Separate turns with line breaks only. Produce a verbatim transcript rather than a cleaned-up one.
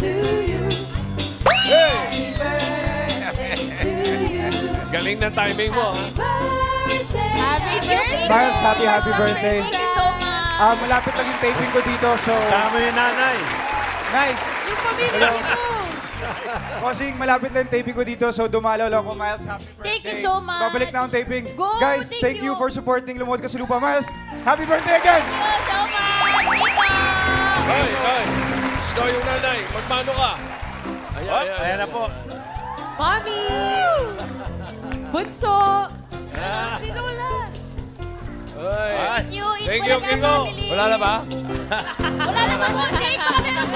to you.
Hey!
Happy birthday to you.
Galing ng timing mo, ha?
Birthday.
Happy birthday!
Miles, happy, happy birthday.
Thank you so much.
Ah, malapit lang yung taping ko dito, so...
Tama yung nanay.
Nay,
Yung pamilya ko.
Bossing, malapit lang yung taping ko dito, so dumalaw lang ako, Miles. Happy birthday.
Thank you so much.
Babalik na akong taping.
Go,
Guys,
thank
thank you.
you.
for supporting Lumuhod Ka sa Lupa, Miles. Happy birthday again!
Thank you so much, Tito.
Ay, ay! Gusto yung nanay. Magmano ka? Ayan,
Hop, ayan na po.
Mami! Bunso! Si Lola!
Ay.
Thank you. Eat
Thank
mo
you,
na ka,
Kingo.
family.
Wala na ba?
Wala na ba po? Shake mo na.